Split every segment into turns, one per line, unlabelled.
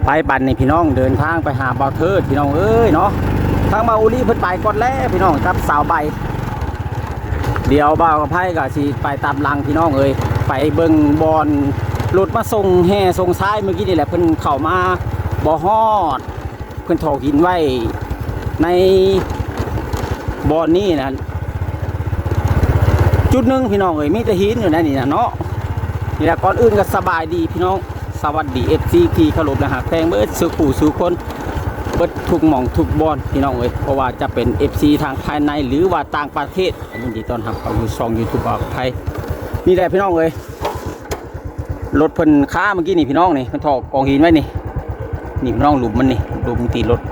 ไปบันนี่พี่น้องเดินทางไปหาบ่าวเทิดพี่น้องเอ้ยเนาะทางบ่าวอุลีเพิ่นไปก่อนแล้วพี่น้องครับสาวใบเดี๋ยวบ่าวกับไพ่ก็สิไปตามหลังพี่น้องเอ้ยไปเบิ่งบอลรถมาส่งแห่ส่งซ้ายเมื่อกี้นี่แหละเพิ่นเข้ามาบ่ฮอดเพิ่นถอกหินไว้ในบอลนี่นะจุดหนึ่งพี่น้องเอ้ยมีแต่หินอยู่นั่นนี่นะเนาะนี่แหละก่อนอื่นก็สบายดีพี่น้องสวัสดีFCที่เคารพนะฮะแพงเบิดสู่ผู้สู่คนเบิดทุกหม่องทุกบอลพี่น้องเอ้ยเพราะว่าจะเป็น FC ทางภายในหรือว่าต่างประเทศยินดีต้อนรับเข้าสู่ช่อง YouTube บ่าวไทยนี่แหละพี่น้องเอ้ยรถเพิ่นค้าเมื่อกี้นี่พี่น้องนี่เพิ่นถอกกองหินไว้นี่นี่พี่น้องหลุมมันนี่หลุมตีรถ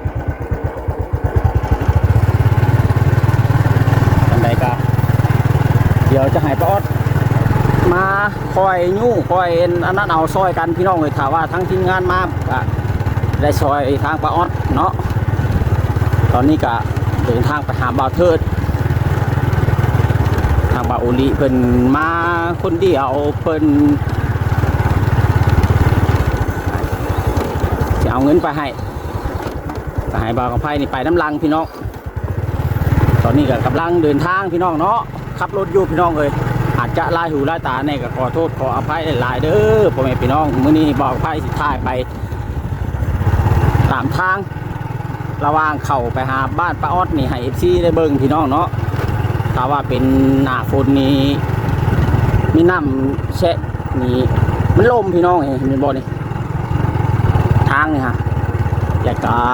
อันใดก็เดี๋ยวจะให้ป้าออดมาคอยยู่คอยอันนั้นเอาซอยกันพี่น้องเลยถามว่าทั้งทีมงานมาก็ได้ซอยทางป้าออดเนาะตอนนี้ก็เดินทางไปหาบ่าวเทิดทางบ่าวโอลิเพิ่นมาคนเดียวเพิ่นจะเอาเงินไปให้บ่าวกับไพ่นี่ไปน้ำลังพี่น้องตอนนี้ก็กำลังเดินทางพี่น้องเนาะขับรถอยู่พี่น้องเลยอาจจะลายหูลายตาเนี่ยก็ขอโทษขออภัยหลายเด้อพ่อแม่พี่น้องมื้อนี้บอกไพ่สิท้ายไปตามทางระหว่างเข้าไปหาบ้านป้าออดนี่ให้ FC ได้เบิ่งพี่น้องเนาะถ้าว่าเป็นหน้าฝนนี้มีน้ำแช่นี่มันลมพี่น้องเห็นบ่นี่ทางนี่ฮะอยากจะ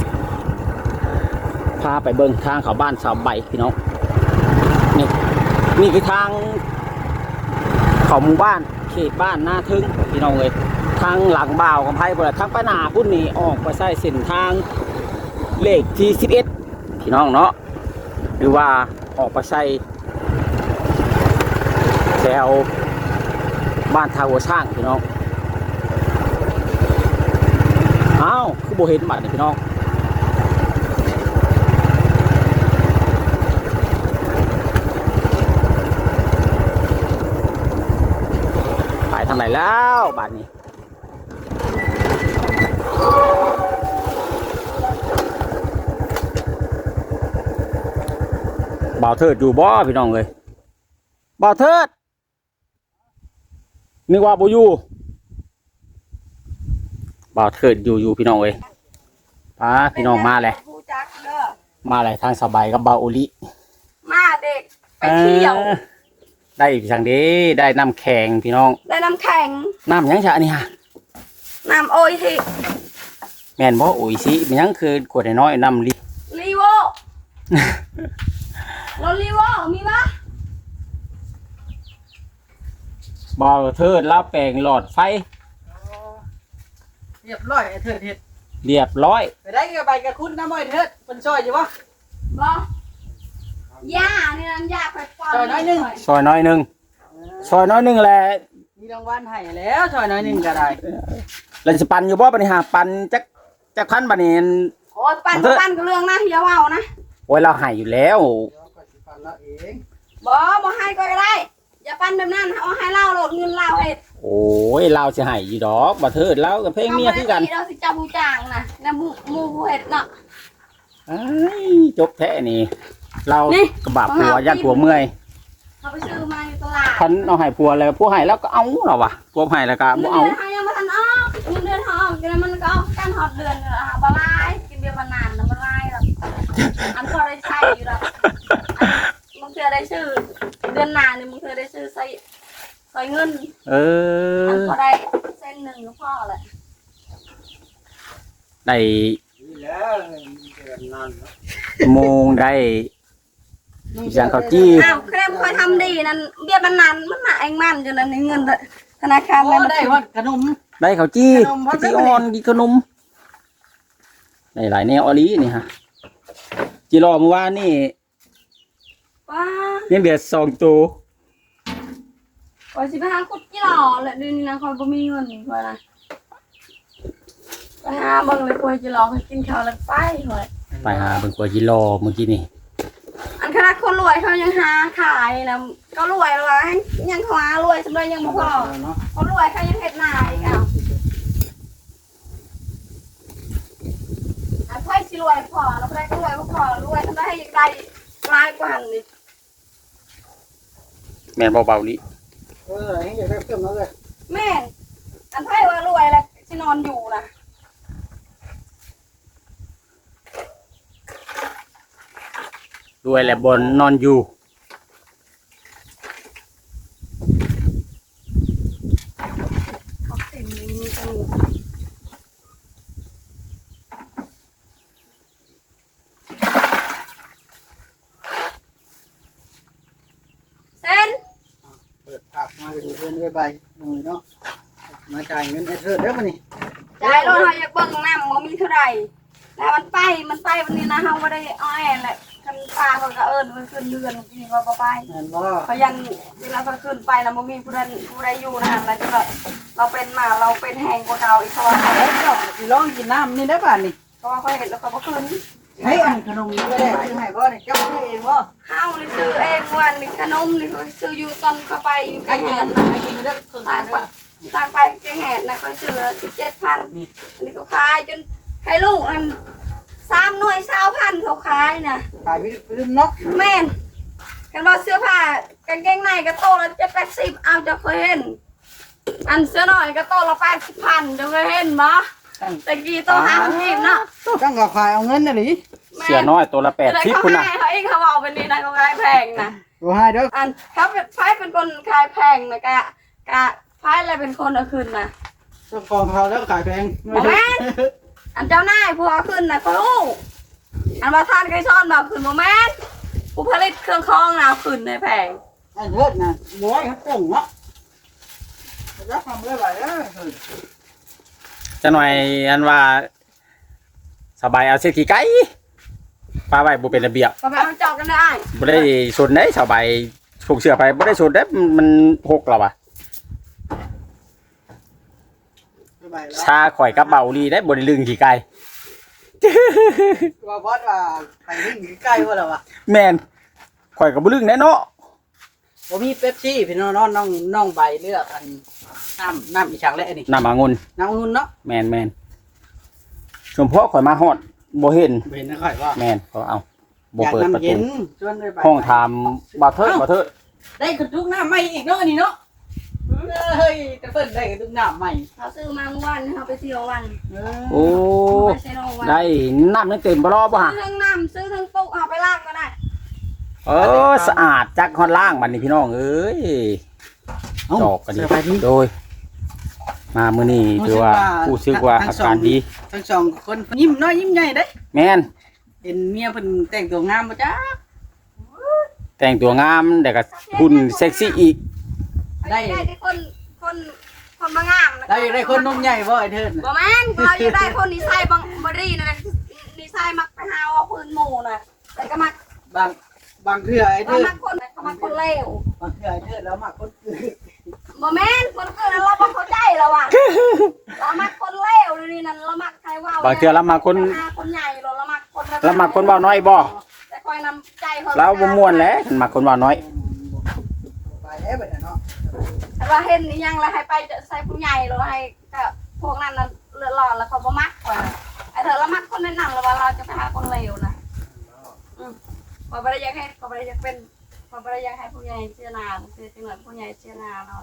พาไปเบิ่งทางเข้าบ้านสาวใบพี่น้องนี่คือทางเข้าหมู่บ้านเขตบ้านหน้าทึงพี่น้องเลยทางหลังบ่าวกับไพ่บ่ทางไปหน้าพุ่นนี่ออกไปใช้เส้นทางเลขที่11พี่น้องเนาะหรือว่าออกไปใช้แถวบ้านทาวัวช่างพี่น้องอ้าวคือโบเห็นบัตรนี่พี่น้องไปทางไหนแล้วบัตรนี้บ่าวเทิดอยู่บ่พี่น้องเลยบ่าวเทิดนึกว่าบ่อยู่บ่าวเทิดอยู่พี่น้องเลยป้าพี่น้องมาเลยมาเลยทางสบายกับบ่าวโอลิ
มาเด็กไปเที่ยว
ได้สั่งดีได้น้ำแข็งพี่น้อง
ได้น้ำแข็ง
น้ำยังชะนี่ฮะ
น้ำโอยที
แม่นบ่โอ้ยสิมันยังคือกวดน้อยน้ำ
ลีโวรถลีโวมีปะ
บ่าวเทิดแล้วแปลงหลอดไฟ
เรียบร้อยไอ้เถิดเห็ด
เรียบร้อย
ไปได้กับใบกระคุ้นน้ำอ้อยเถิดเป็นซอยอยู่วะ
บ่ย่านี่นั่นย่าไปปอน
ซอยน้อยหนึ่ง
ซอยน้อยหนึ่งซอยน้อยหนึ่งแหละ
มีรางวัลให้แล้วซอยน้อยหนึ่งก็ได้
แล้วจะปั่นอยู่บ่ปฏิหารปั่นจักพันบัดนี้
โอ้ยปั่นก็เรื่องนะอย่าเว้านะ
โอ้ยเราให้อยู่แล้ว
บ่ให้ก็ได้อย่าปั่นแบบนั้นเอาให้เล่าโหลดเงินเล่าเฮ็ด
โอ้ยเราจะให้อยู่ดอกบ่เทิดแล้วกับเพลงเมียคือกัน
เราสิจับผู้จ้างนะนะหมู่ผู้เฮ็ดเนาะ
จบแท้นี่เรากระบะผัวยัดผัวเมื่อย
เขาไปซื้อมาอยู่ตลาด
พันเอาให้ผัวแล้วผัวให้แล้วก็เอาเหรอวะผัวให้แล้วก็บ่เอา
เงินยังมาทันออกเงินเดือนออกกินมันก็เอาการหอดเดือนบลายกินเบียร์มานานแล้วบลายหรอกอันพอได้ใช้อยู่แล้วมึงเคยได้ชื่อเดือนหน้านี่มึงเคยได้ชื่อใส่เงินอันพอได้เส้นหนึ่งก็พอแหละ
ได้โมงได้อย่างเขาจี้
อ้าวเครมคอยทำดีนั่นเบี้ยมันนานมันหนาเองมันจนนั้นเงินธนาคาร
ได้ว่าขนม
ได้เขาจี้ที่อ่อนกินขนมในหลายแนวอลีนี่ฮะจีรอเมื่อวานนี่
ว้า
เนี่ยเบียด2 ตัว
โอ้ย15 กุดกี่หล่อแหละเดือนนี้นะคอยบ่มีเงินคอยนะไปหาเบิ่งเลยคอยจะรอคอยกินข้าวแล้วไป
หาเบิ่งกว่าจีรอเมื่อกี้นี่
อันขนาดคนรวยเขายังหาขายนะก็รวยแล้วยังหารวยสำหรับยังบ่พอเขารวยเขายังเฮ็ดนาอีกอ้าวสิรวยพอเราบ่ได้ก็รวยบ่พอรวยทำได้ให้ได้หลายกว่าหั่นนี่
แม่นเบาๆนี้
ให้อยากได้เพิ่มแล้วเลย
แม่นอันไผว่ารวยแล้วสินอนอยู่นะ
รวยและบนนอนอยู่
เขาเต็มนี้มีกันเส้น
เปิดภาพมาดูเพื่อนด้วยใบมือเนาะมาจ่ายเงินให้เธอเด้อมานี่
จ่ายรถเฮาอยากเบิ่งน้ำบ่มีเท่าไหร่แล้วมันไปวันนี้นะเฮาบ่ได้อ้อยแหละคันปลาเขาก็เอิ้นมันขึ้นเรือนกินก็บ่ไป
นั่นบ่
เขายันเวลาเขาขึ้นไปแล้วบ่มีผู้ใดอยู่นะฮะแล้วก็เราเป็นมาเราเป็นแหงกว่าเก่าอีกเพราะว่า
เอ้ยเจ้าสิลองกินน้ำนี่ได้ป่ะนี่
เพราะว่าเขาเห็นแล้วเขาบ่ขึ้น
ให้อันขนมนี้ก็ได้ซื้อให้บ่นี่เจ้าซื้อเองบ่
ข้าวนี่ซื้อเองวันนี่ขนมนี่เขาซื้ออยู่ตอนเขาไปอยู่
ให้
ไกล
กิน
เงิน
ให้กินเด้อครึ่ง
ต่าง
เด้
ไป
อ
ต่างไปแกงแหนนะเขาซื้อ17,000อันนี้เขาขายจนให้ลูกอัน3หน่วย20,000เขาขายนะ
ขายวิพื้นเนาะ
แม่นกันว่าเสื้อผ้ากางเกงในก็โตละ780เอาจะเคยเห็นอันเสื้อหน่อยก็โตละ80,000จะเคยเห็นบ่ตะกี้โต50เนาะ
ตั้งกับขายเอาเงินน่ะหลิ
เสียน้อยตัวละ80พุ่นน่ะ
เขาเองเขาบอกเป็นนี่นะเขาขายแพงนะ
ดูให้เด้อ
อันเขาเป็นไฟเป็นคนขายแพงนะกะไฟอะไรเป็นคนเอาขึ้นนะ
เจ้าของเขาแล้วขายแพง
อันเจ้านายผู้เอาขึ้นนะเขารู้อันว่าท่านเคยซ่อนมาขึ้นโมแมนผู้ผลิตเครื่องคองนะเอาขึ้นในแพง
อันเลิศนะร้อยครับส่งเนาะจะทำได้ไรเอ้ย
จะหน่อยอันว่าสบายเอาเศษขี้ไก่ปลาไว้บ่เป็นระเบียบ
ก็ไปเอาจอกกันได้
บ่ได้สนได้สบายผูกเสื้อไปบ่ได้สนได้มันหกแล้วว่ะชาข่อยกับเบาลีได้บ่ได้ลึงขี้ไก่
ว่าบอสว่าไปวิ่งใกล้ว่าแล้ววะ
แม่นข่อยก็บ่ลึงแน่เนาะ
ผมมีเป๊ปซี่พี่น้องน้องใบเลือกอันน้ำอีฉากและอันนี้
น้ำองุ่น
น้ำองุ่นเนาะ
แม่นชมพ่อข่อยมาฮอดบ่เห็น
เห็นนะค่อยว่า
แม่นก็เอาบ่
อยาก
เปิดประ
น้ำเย็
ตู
นชวนด้วยใบ
ห้องถามบ่เถิดบ่เถิด
ได้กระตุกน้ำใหม่อีกเนาะอันนี้เนาะเฮ้ยจะเปิดได้กระตุกน้ำใหม่
เขาซื้อมาเมื่อวันเขาไปเที่ยววัน
โอ้
ไปเซโนวัน
ได้น้ำนั่นเต็มบ่รอบ่ฮะ
ซื้อทั้งน้ำซื้อทั้งปุ๊กเอาไปลากก็ได้
เออสะอาดจักฮอดล่างบัดนี้พี่น้องเอ้ย จอกกันดี
สบายดี
โดย มามื้อนี้ถือว่าผู้ซึกว่าอาการดี
ทั้งสองคนยิ้มน้อยยิ้มใหญ่เด้
แม่น
เห็นเมียเพิ่นแต่งตัวงามบ่จ้า
แต่งตัวงามแต่ก็หุ่นเซ็กซี่อีก
ได้
ได้คนมางามนะ
ได้คนนมใหญ่บ่ไอ้เถิด
บ่แม่นเราอยู่ได้คนนิสัยบรีนั่นแหละนิสัยมักไปหาว่าพื้นหมู่น่ะแต่ก็มัก
บางเทื่อไอ้
ว่า
เถิด
มักคนเขามักคนเลว
บางเทื่อไอ้เถิดแล้วมาคนอื่น
บ่แม่นคนเกิดเราบ่เข้าใจแล้วว่ะเรามักคนเลวนี่นั่นเรามักใครว่า
บางเทื่อเรามาคน
คนใหญ่เรามักคน
เรามาคนเว้าน้อยบ่
แต่คอยนำใจเขา
เราบ่ม่วนแหล้วมาคนเว้าน้อย
ไปแล้วบัดเนาะ
แต่ว่าเห็นนี่ยังแล้วให้ไปใส่ผู้ใหญ่เราให้ก็พวกนั้นน่ะเลือดร้อนแล้วเขาบ่มักกว่าไอ้เธอเรามักคนแนะนำเราว่าเราจะไปหาคนเลวนะพอบ่ได้อยากให้พอบ่ได้อยากเป็นพอบ่ได้อยากให้ผู้ใหญ่เชื่อนาเชื่อจังหวัดผู้ใหญ่เชื่อนาเรา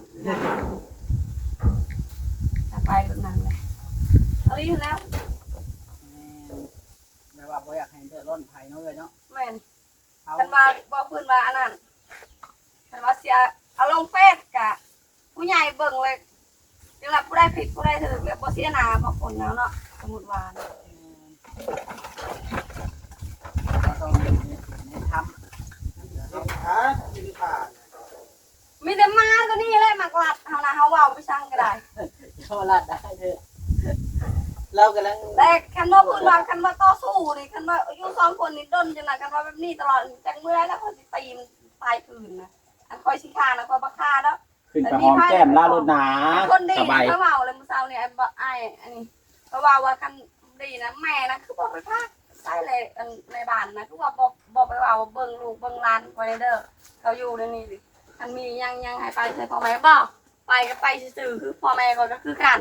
จะไปแบบนั้นเลยเอาอีกแล้ว
แม่ว่าบ่อยากให้เดือดร้อนไผเนาะเลยเนาะ
แม่น
เอา
คันว่าบ่พื้นว่าอันนั้นคันว่าเสียเอาลงเฟซกะผู้ใหญ่เบิ่งเลยจังหวัดผู้ใดผิดผู้ใดถูกแล้วบ่เสียหน้าบ่คนแล้วเนาะสมมุติว่านะ
ต้องทำ
มีแต่มาตัวนี้เลยมากลัดเฮานะเฮาเว้าไปสั่งก็ได้
เขาลาดได้เถอะเรากำลัง
แต่คันว่าพื้นว่าคันว่าต่อสู้นี่คันว่าอยู่สองคนนี่ดนจังได๋คันว่าแบบนี้ตลอดจังเมื่อยแล้วเขาสิตีมันตายคืนนะอันคอยสิฆ่านะคอยบ่ฆ่าเนาะ
ขึ้นไปหอมแก้มลารถหนา
คนดี
สบาย
เขาเว้าเลยมื้อเช้านี่ไอ้บ่ไอ้อันนี้เขาเว้าว่าคันดีนะแม่นะคือบ่ไปพากใส่เลยอันในบ้านนะคือว่าบ่ไปเว้าเบิ่งลูกเบิ่งหลานคอยเด้อเขาอยู่ในนี้สิคันมียังให้ไปใส่พ่อแม่บ่ไปก็ไปซื่อๆคือพ่อแม่ก็คือกัน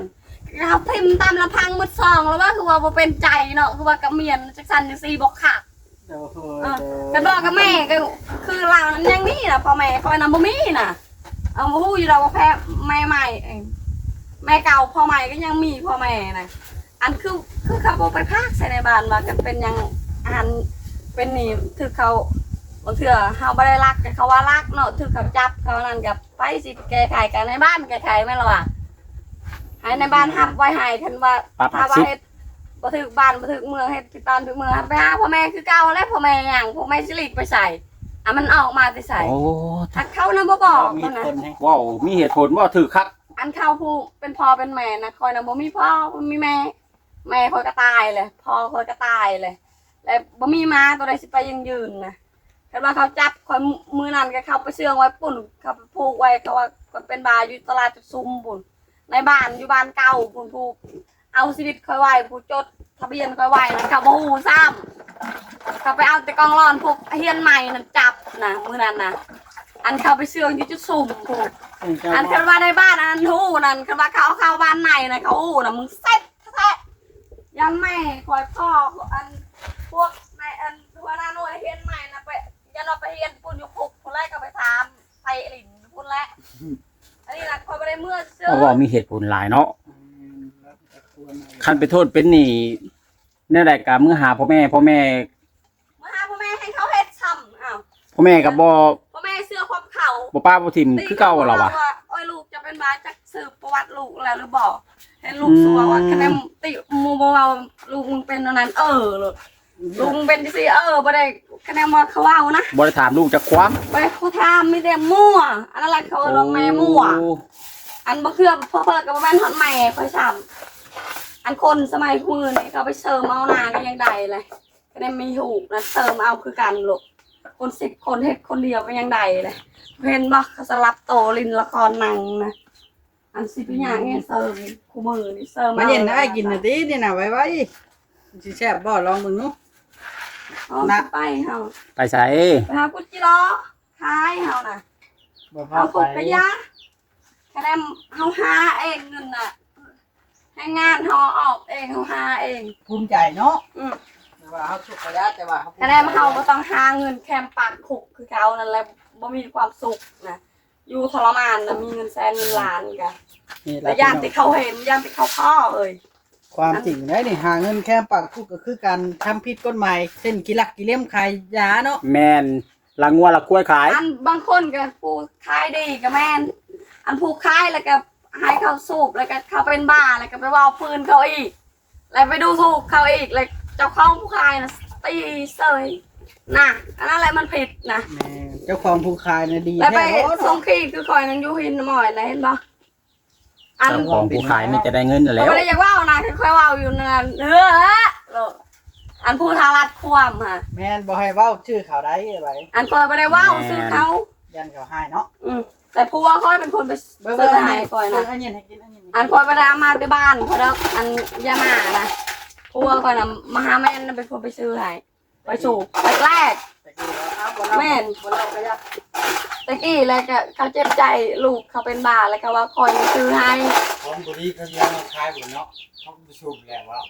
เขาพิมพ์ตามลำพังมืดซองแล้วว่าคือว่าบ่เป็นใจเนาะคือว่ากับเมียนจักสันจังซี่บอกขาด
โอ้โห
กันบอกกับแม่ก็คือเรานั้นยังมีน่ะพ่อแม่คอยนำบ่มีน่ะเอาบ่ฮู้อยู่ดอกว่าแพ้แม่ใหม่แม่เก่าพ่อใหม่ก็ยังมีพ่อแม่น่ะอันคือเขาบ่ไปพากใส่ในบ้านว่ากันเป็นยังอันเป็นนี่คือเขาบางเทื่อเฮาบ่ได้รักแต่เขาว่ารักเนาะถือเขาจับเขานั่นกับไปสิแก้ไขกันในบ้านแก้ไขแม่นล่ะว่าให้ในบ้านฮับไว้ให้คันว่าถ้าว่าเฮ็ดบ่ถึกบ้านบ่ถึกเมืองเฮ็ดที่บ้านถึกเมืองไปหาพ่อแม่คือเก่าแล้วพ่อแม่หยังพ่อแม่สิหลีกไปใส่มันออกมาแต่ใส่
โอ้
ถ้าเขานำบ่บอก
มี
นั่นน่ะ
คนให้
ว้าวมีเหตุผลว่าถือคัก
อันเขาผู้เป็นพ่อเป็นแม่นะคอยนำบ่มีพ่อบ่มีแม่แม่คอยก็ตายเลยพ่อคอยก็ตายเลยแล้วบ่มีม้าตัวใดสิไปยังยืนนะคันว่าเขาจับคอยมือนั้นก็เข้าไปเชื่องไว้ปุ่นเขาไปผูกไว้เขาว่าเป็นบาอยู่ตลาดจุดซุ่มปุ่นในบ้านอยู่บ้านเก่าปุ่นผูกเอาชีวิตคอยไว้ผู้จดทะเบียนคอยไว้นะเขาบ่ฮู้ซ้ำเขาไปเอาแต่กองร้อนพวกเฮียนใหม่นั่นจับนะมือนั้นนะอันเขาไปเชื่องอยู่จุดซุ่มผูกอันคันว่าในบ้านอันฮู้นั่นคันว่าเขาเข้าบ้านในนะเขาฮู้นะมึงเซ็ตแท้ยันแม่คอยพ่ออันพวกในอันหัวหน้าหน่วยเฮียนใหม่นะไปยันเราไปเฮียนปุ่นอยู่ปุกคนแรกก็ไปถามไปหลินปุ่นแรกอันนี้นะคอยไปได้เมื่อเชื่อ
เพราะว่ามีเหตุผลหลายเนาะคันไปโทษเป็นหนี้แน่ใดกะมือหาพ่อแม่
มาหาพ่อแม่ให้เขาเฮ็ดซ้ำอ้าว
พ่อแม่กับบ่
พ่อแม่เสื้อความเขา
บ่ป้าบ่ทิมคือเก่าเหรอวะ
โอ้ยลูกจะเป็นบาจักสืบประวัติลูกแล้วหรือบอกให้ลูกสัวว่าคะแนนติมูบ่ว่าลูกมึงเป็นอันนั้นลูกมึงเป็นสิบ่ได้คะแนนว่าเขาเอานะ
บ่ได้ถามลูกจักความ
ไปเขาทำมีแต่มั่วอันนั้นแหละเขาลงแม่มั่ว
โอ้
อันบ่คือเพิ่นกับแม่นฮอดแม่ค่อยซ้ำอันคนสมัยมื้อนี้เขาไปเสริมเอาหน้าก็ยังได้เลยก็ได้มีหูกนะเสริมเอาคือกันลูกคน10คนเฮ็ดคนเดียวก็ยังได้เลยเพิ่นบ่เขาสลับโตลินละครหนังนะอันสิเป็นหยังเนี่ยเสริมคู่มือนี่เสริม
มาเย็นได้กินน่ะตินี่น่ะไว้สิแซ่บบ่ลองมึงนู
นะไปเฮา
ไปใส่
ไปหากุจิรอขายเฮาน่ะ
บ่พา
เอา
ไป
ขุดกระยะคะแนนเฮาหาเองเงินน่ะให้งานเฮาออกเองเฮาหาเอง
ภูมิใจเนาะ
อือ
แต่ว่าเฮาสุขระยะแต่ว่า
คะแนนเฮาบ่ต้องหาเงินแคมปากขุกคือเขานั่นแหละบ่มีความสุขนะอยู่ทรมานนะมีเงินแสนเงินล้านกะ
นี่
แต่ย่านที่เขาเห็นย่านที่เขาพ่อเอ้ย
ความจริงได้นี่หาเงินแค่ปากคุกก็คือการทำผิดกฎหมายเช่นกิลักกิเลี่ยมขายยาเนาะ
แม่นละงัวละกล้วยขาย
อันบางคนก็ผู้ขายดีก็แม่นอันผู้ขายแล้วก็ให้เขาสูบแล้วก็เขาเป็นบ้าแล้วก็ไปว่าปืนเขาอีกแล้วไปดูถูกเขาอีกแล้วเจ้าของผู้ขายนะตีเสยน่ะอันนั้นแหละมันผิดนะ
แม่เจ้าของผู้ขายน่ะดี
แล้วไป
แท้
ส่งขีดคือคอยนั้นอยู่หินหมอยนะเห็นปะอัน
เจ้าของผู้ขายนี่จะได้เงินอยู่แล้ว
ไม่ได้อยากว่านะค่อยๆว่าอยู่นั่นอันผู้ทารัดความค่ะ
แม่นบ่ให้เว้าชื่อเขาได้ไว้
อันคอยไม่ได้ว่าซื้อเขา
ยันเขาให้เนาะ
แต่ผู้ว่าคอยเป็นคนไปซื้อให้คอยนะ
อันนี้ให้กินอันนี้
อันคอยไปได้มาที่บ้านคอยแล้วอันยามานะผู้ว่าคอยนะมาหาแม่เป็นคนไปซื้อให้ไปสู่แรก
ตะกี้ว่าอ้าวบ่เล่า
แม่น
บ่เล่าก็ยาก
ตะกี้แล้วก็เขาเจ็บใจลูกเขาเป็นบ้าแล้วก็ว่าคอยไปซื้อให้
ของบุรีเขาเลี้ยงมาขายหมดเนาะเขาไปสูบแล้วว่า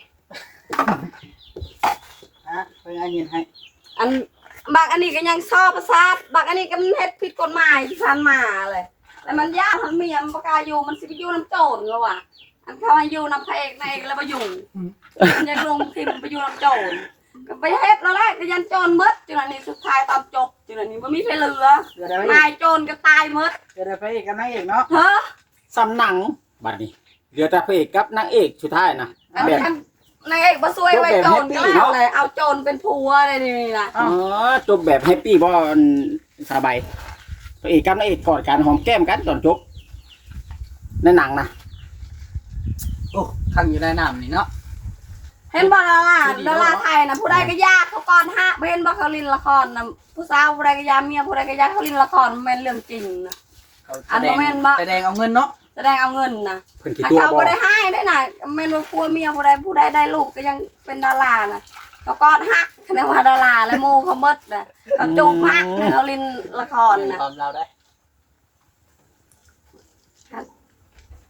ฮะเพิ่นอันนี้ให้
อันบางอันนี้ก็ยังชอบประสาทบางอันนี้ก็มันเฮ็ดผิดกฎหมายที่ผ่านมาเลยแต่มันยากมันเมียมันประกาอยู่มันสิไปอยู่น้ำโจรแล้วว่ะอันเขาให้อยู่น้ำพระเอกนายเอกแล้วไปอยู่มันยังลงทีมันไปอยู่น้ำโจรก็ไปเฮ็ดแล้วแหละก็ยันโจรหมดจนอันนี้สุดท้ายตอนจบจนอันนี้มันมีไฟเหลือ
เกิดอะไร
นายโจรก็ตายหมด
เกิดอะไรอีกกันนางเอกเนาะ
เฮ้อ
ซ้ำหนังบัดนี้เหลือแต่พระเอกกับนางเอกสุดท้ายนะ
อัน
แบบ
นั้นนายเอกมาซวยไว้โจรก็แล้วเลยเอาโจรเป็นผัวอะไรนี่นะ
อ๋อจบแบบแฮปปี้บ่สบายพระเอกกับนางเอกกอดกันหอมแก้มกันตอนจบในหนังนะ
โอ้ขังอยู่ในน้ำนี่เนาะ
เห็นบ่ดาราไทยนะผู้ใดก็ยากเขาก่อนฮะเห็นบ่เขาลินละครนะผู้สาวผู้ใดก็ยากเมียผู้ใดก็ยากเขาลินละครมันเป็นเรื่องจริงนะ อันบ่แม่นบ่
แสดงเอาเงินเนาะ
แสดงเอาเงินนะ
เพิ่นกี่
ถ้า
ตัว
เขา
บ่
บ่ได้ให้ได้น่ะแม่นว่าผัวเมียผู้ใดได้ลูกก็ยังเป็นดารานะเขาก่อนฮักคะแนนว่าดาราและโมเขาหมดนะเขาจูบฮักเขาลินละครนะ
ตอนเราได้
ฮ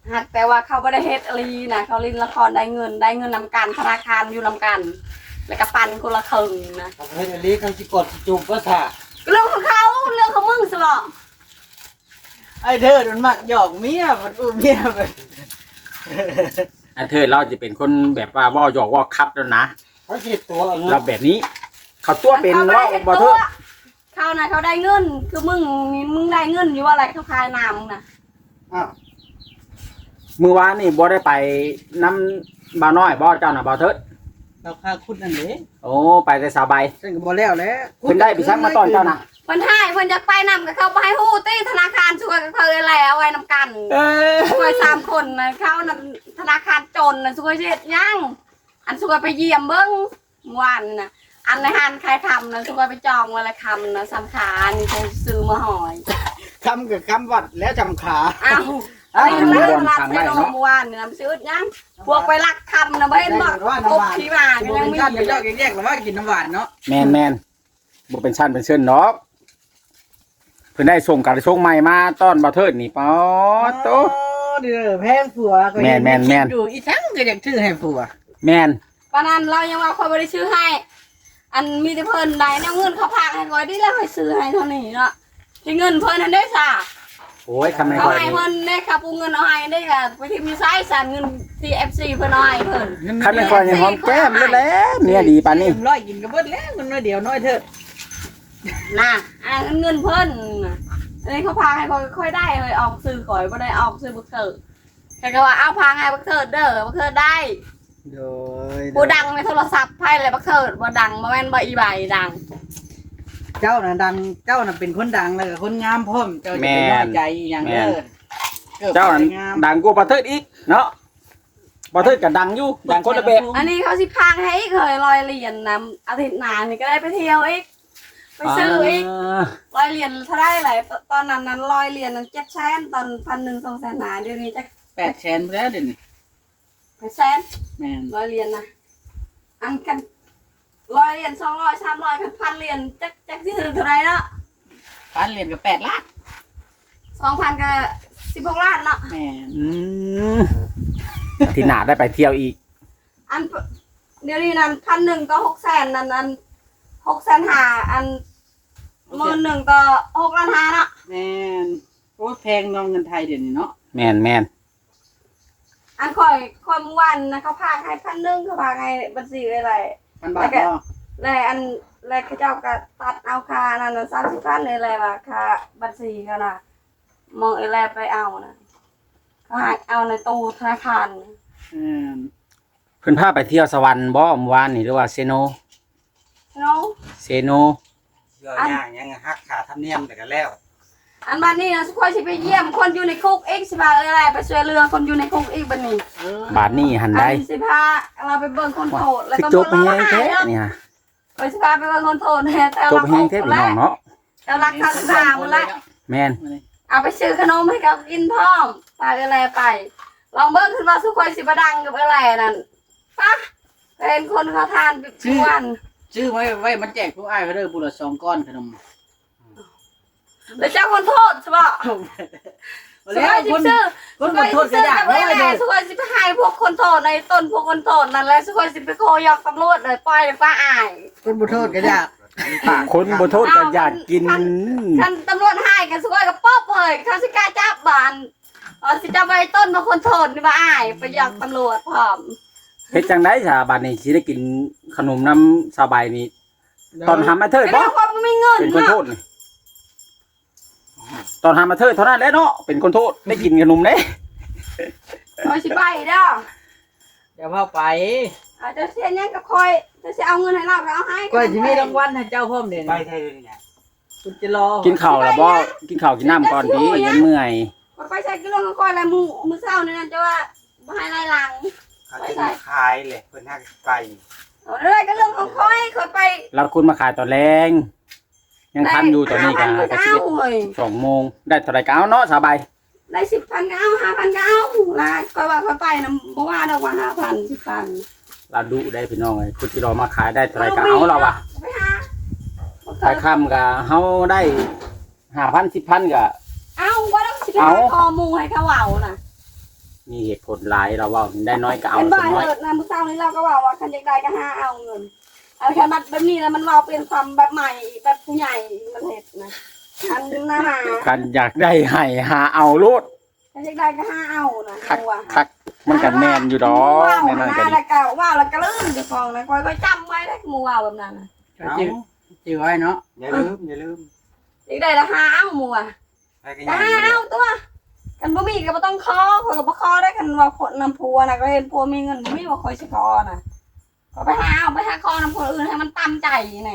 หากแต่ว่าเขาไม่ได้เฮ็ดอะไรนะเขาเล่นละครได้เงินนำกันธนาคารอยู่นำกัน แล้วก็ปันคนละครึ่งนะ
ทำให้อลีเขาสิกดสิจูบก็ซะ
เรื่องของเขาเรื่องของมึงสิบ่
ไอ้เธอมันมักหยอกเมียมันอุ้มเมียไป
อันเธอเราจะเป็นคนแบบว่าว่าหยอกว่าคับแล้วนะ
เขาสิตัวเอา
เราแบบนี้ เขาตัวเป็น
เขาไม่
ว่า
ได้เฮ็ด
บ่
ตั
เธ
ว
อ
เขานะเขาได้เงินคือมึงได้เงินอยู่ว่าอะไรเขาขายน้ำมึงนะ
อ้าว
มือวานนี่บ่ได้ไปน้ำบ่าวน้อยบ่เจ้าน่ะบ่าวเถิด
เราฆ่าคุณนั่นเด้
โอ้ไปแต่สาวใบ
ฉันก็บ่แล้วแหล้ว
เพิ่นได้ไปซักมาตอนเจ้าน่ะ
เพิ่นให้เพิ่นจะไปนำกับเขาไปให้ฮู้ตี้ธนาคารช่วยกับเขาแล้วไว้นำกัน ช่วย3 คนนะเขานั่นธนาคารจนนะช่วยเฮ็ดหยังอันช่วยไปเยี่ยมเบิ่งเมื่อวานน่ะอันในหันใครทำนะช่วยไปจองวันละคำนะ3 ขานี่ใช้ซื้อมาหอย
คำกับคำวัดแล้วจำขา
อ้าวอันนี้มันรัดไปลงเมื่อวานนี่นะซื้อหยังพวกไปลักคำนะบ่เห็นบ่กบขี้หมาก็
บ่
ยัง
เป็น
มี
ชั้น
อ
เป็น
ยู่
ยอดแยกๆแล้วว่ากินน้ำหวานเนาะ
แม่นบ่เป็นชั้นเป็นเชิญเนาะเพิ่นได้ส่งกันส่งใหม่มาต้อนบ่าวเถิดนี่ป๊อดโต
เด้อแพงผัวก็
แม่น
ดูอีทั้งก็อยากชื่อให้ผัว
แม่น
ปานนั้นเรายังว่าคนบ่ได้ซื้อให้ อันมีแต่เพิ่นได้แนวเงินเขาพากให้ก่อยดิแล้วให้ซื้อให้เท่านี้เนาะที่เงินเพิ่นนั่นได้ซะ
โอ้ยคำไม่
เขา
ค่อย
ให้
นี่
เพิ่นได้ครับปูเงินเอาให้ได้ก็ไปที่มีไซส์สั่นเงินที่ FC เพิ่นเอาให้เพิ่น
คำไม่ค่อยนี่หอมแก้มเลยแหละเมียดีปานนี้
ร้อยกินก็เบิดแล้วมันน้อยเดียวน้อยเถอะ
น่ะอันเงินเพิ่นน่ะอันนี้เขาพาให้ค่อยได้เลยออกซื้อก่อยบ่ได้ออกซื้อบักเถิดแค่ก็ว่าเอาพาให้บักเถิดเด้อบักเถิดได้
โดย
บ่ดังในโทรศัพท์ไผเลยบักเถิดบ่ดังบ่แม่นบ่อีใบดัง
เจ้าน่ะดังเจ้าน่ะเป็นคนดังแล้วก็คนงามพร้อมเจ้าจะเป็นน้อยใจอย่างเด้อ
เจ้านั้นดังกว่าบ่าวเถิดอีกเนาะบ่าวเถิดก็ดังอยู่ดังคนละแบบ
อันนี้เขาสิพาให้อีกเคยลอยเหรียญนำอาทิตย์หน้านี่ก็ได้ไปเที่ยวอีกไปซื้ออีกลอยเหรียญเท่าไรหลายตอนนั้นลอยเหรียญนั้น700,000ตอน1,000 200,000หาเดี๋ยวนี้จะ
8 แสนแล้วเดี๋ยวนี้
800,000
แม่น
ลอยเหรียญนะอันกันลอยเหรียญ200 300กัน1,000เหรียญจักสิถือเท่าไรเนาะ
พันเหรียญก็8ล้าน
2,000ก็16 ล้านเนาะ
แม่น
อืมอาที่หน้าได้ไปเที่ยวอีก
อันเดี๋ยวนี้นั้น1,000ก็600,000นั้น600,000หาอัน10,000ก็6ล้าน5เนาะ
แม่นโอ้แพงน้องเงินไทยเดี๋ยวนี้เนาะ
แม่น
อันค่อยเมื่อวันนะเขาพากให้1,000เขาพากให้บัญชีอะไร
1,000 บาทบ่
แล้วอันแล้วเขาเจ้าก็ตัดเอาค่านั่นน่ะ30,000เลยแหละว่าค่าบัญชีเขาน่ะมองอะไรไปเอานะเขาให้เอาในตู้ธนาคาร
เพิ่นพาไปเที่ยวสวรรค์บ่เมื่อวานนี่หรือว่าเซโน
เนาะ
เซโน
เยอะย่างยังหักขาทำเนียมแต่ก็แล้ว
อันบัดนี้นะสุขอยสิไปเยี่ยมคนอยู่ในคุกอีกสิพาอะไรไปช่วยเรือคนอยู่ในคุกอีกบัดนี้
บาทนี่หันได้
อันสิพาเราไปเบิ่งคนโทษแล้ว
สิ
ก็
จบไป
บ่
แฮงแท้
เนาะ
เนี่ย
ไปสิพาไปเบิ่งคนโทษแท้แต่
จบ
เรา
ไปแฮงแท้พี่น้องเนาะ
แต่รักทางทางหมดละ
แม่น
เอาไปซื้อขนมให้เขากินพร้อมพาอะไรไป ลองเบิ่งขึ้นว่าสุขอยสิบดังกับอะไรนั่นปะเป็นคนเขาทานทุกวัน
ชื่อไว้มันแจกผู้อ้ายเขาเด้อผู้ละ2ก้อนขนม
แล้วเจ้าคนโทษใช่ปะสุขอยสิซื้อ
คนโทษก็อยาก
ไม่
ได้
ได้
เด้อ
สุขอยสิไปให้พวกคนโทษในต้นพวกคนโทษนั่นแหละสุขอยสิไปโคยอกตำรวจเลยปล่อยเลยป้าอาย
คนบ่โทษก็อยาก
คนบ่โทษก็อยากกิน
ท่านตำรวจให้กันสุขอยกับป๊อบเลยเขาสิกล้าจับบานสิจับไปต้นพวกคนโทษนี่ป้าอายไปยอกตำรวจพร้อม
เฮ็ดจังได๋ซะบัดนี้สิได้กินขนมน้ำสบายนี่ตอนหามาเถิด
ก็
บ่
ได้ความไม่เงิน
เป็นคนโท
เนาะ
ษนี่ตอนหามาเถิดเท่านั้นแหละเนาะเป็นคนโทษได้กินขนมเด้
เอาสิไปเด้อ
อย่าเผาไป
อาจจะเสียยังกับคอยจะสิเอาเงินให้เราก็เอาให้
ก็สิมีรางวัลให้เจ้าพร้อมเด้อ
ไป
นี่
ไทยเลยเนี่ย
คุณจะรอ
กินข้าวแล้วบ่กินข้าวกินน้ำก่อนดียังเมื่อย
ไปใส่กิโลกับคอยแล้วมือเศร้านี่นั่นจะว่าบ่ให้ไล่หลัง
เขาจะขายเลยเพิ่นหักไป
เอาเรื่อยก็เรื่องของคอยไป
เราคุณมาขายตอนแรงยังทันอยู่ตอนนี้ก็
ก็
ก็
เอา
สิบ
เฮ้ย
2 โมงได้เท่าไหร่ก็เอาเนาะสบาย
ได้10,000ก็เอา5,000ก็เอาลาก็ว่าไปนะบ่ว่าดอกว่า5,000 10,000
เราดูได้พี่น้องเลยคุณที่เรามาขายได้เท่าไหร่ก็เอาเราอะ
ไปหา
ขายค่ำก็เฮาได้5,000 10,000ก็
เอาว่าต้องสิไป
เอา
หาคอหมูให้เขาเอาน่ะ
มีเหตุผลหลายเราเว่าได้น้อยก็เอา
เป็น
ส
บ่าย
น้อย
เลิศนะมื้อเช้านี้เราก็บอกว่าคันอยากได้ก็หาเอาเงินเอาแค่มัดแบบนี้แล้วมันว่าเป็นความแบบใหม่แบบผู้ใหญ่มันเฮ็ดนะอันหน้าหา
กันอยากได้ให้หาเอาโลด
คันอยากได้ก็หาเอานะ
คัก
เอาว่ะ
คักมันก็แม่นอยู่ดอก
ว้าว
แน่นอน
นะ
ก็ดี
แล้วก็ว้าวแล้วก็ลืมจะฟองนะก็จำไว้ได้หมู่ว้าวแบบนั้นน่ะ
ก็จื้อไว้เนาะ
อย่าลืมอย่าลืม
อยากได้ละหาเอาหมู่อ่ะ
ไปกัน
ก็
ยัง
หาเอาตัวกันบ่มีก็บ่ต้องขอข้อยก็บ่ขอได้กันว่าคนนำผัวน่ะก็เห็นผัวมีเงินบ่มีว่าคอยสิขอน่ะก็ไปหาเอาไปหาขอนำคนอื่นให้มันตามใจนี่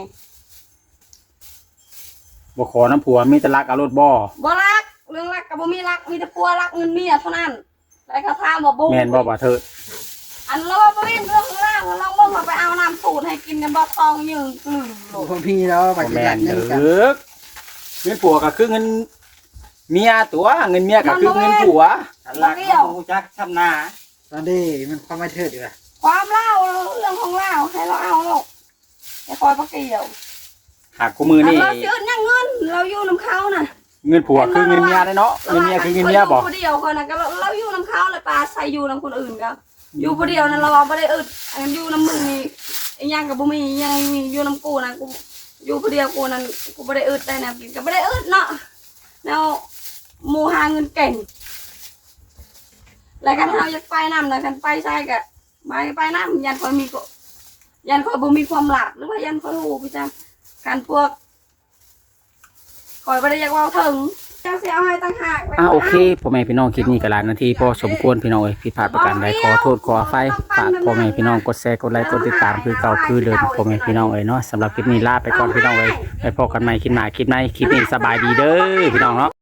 บ่ขอน้ำผัวมีแต่รักเอารถบ่
บ่รักเรื่องรักกับบ่มีรักมีแต่ผัวรักเงินเมียเท่านั้นแล้วก็ถามว่าบ่
แม่นบ่บ่เถิด
อันเราว่าบ่มีเรื่องราวลองเบิ่งว่าไปเอาน้ำสูตรให้กินกันบ่ทองยืนกลืนโล
โอ้
ด
พี่แล้ว
บ่
บัด
แม่
ยั
น
ด
เด้
เงินกัน
อเงินผัวก็คือเงินเมียตัวเงินเมียก็คือเงินผัว
รักมูจักช้ำหน้า
ตอนนี้มันความไม่เทิดอยู่อะ
ความเล่าเรื่องของเล่าให้เราเอาลูกอย่าคอยบ่เกี่ยว
หากกูมือ
อัน
นี่
เราชื่อยังเงินเราอยู่นํเขาน่ะ
เงินผัวคือเงินเมียได้เนาะเงินเมียคือเงินเมียบ่
อยู่ผู้เดียวคนน่ะก็เราอยู่นํเขาเลยปลาใส่อยู่นํคนอื่นก็อยู่ผู้เดียวนั่นเราบ่ได้อึดอันอยู่นํมึงนี่อีหยังก็บ่มีอีหยังมีอยู่นํกูน่ะกูอยู่ผู้เดียวกูนั่นกูบ่ได้อึดได้แนวกินก็บ่ได้อึดเนาะแนวหมู่หาเงินเก่งแล้วกันเฮาอยากไปนำน่ะกันไปใส่ก็ไปนำยันคอยมีก็ยันคอยบ่มีความลับหรือว่ายันคอยฮู้พี่จังการพวกคอยบ่ได้อยากเว้าถึงจังสิเอาให้ต่างหาก
โอเคพ่อแม่พี่น้องคลิปนี้ก็หลายนาทีพอสมควรพี่น้องเอ้ยผิดพลาดประการใดขอโทษขออภัยฝากพ่อแม่พี่น้องกดแชร์กดไลค์กดติดตามคือเก่าคือเดิมพ่อแม่พี่น้องเอ้ยเนาะสำหรับคลิปนี้ลาไปก่อนพี่น้องเอ้ยไปพบกันใหม่คลิปหน้าคลิปในคลิปนี้สบายดีเด้อพี่น้องเนาะ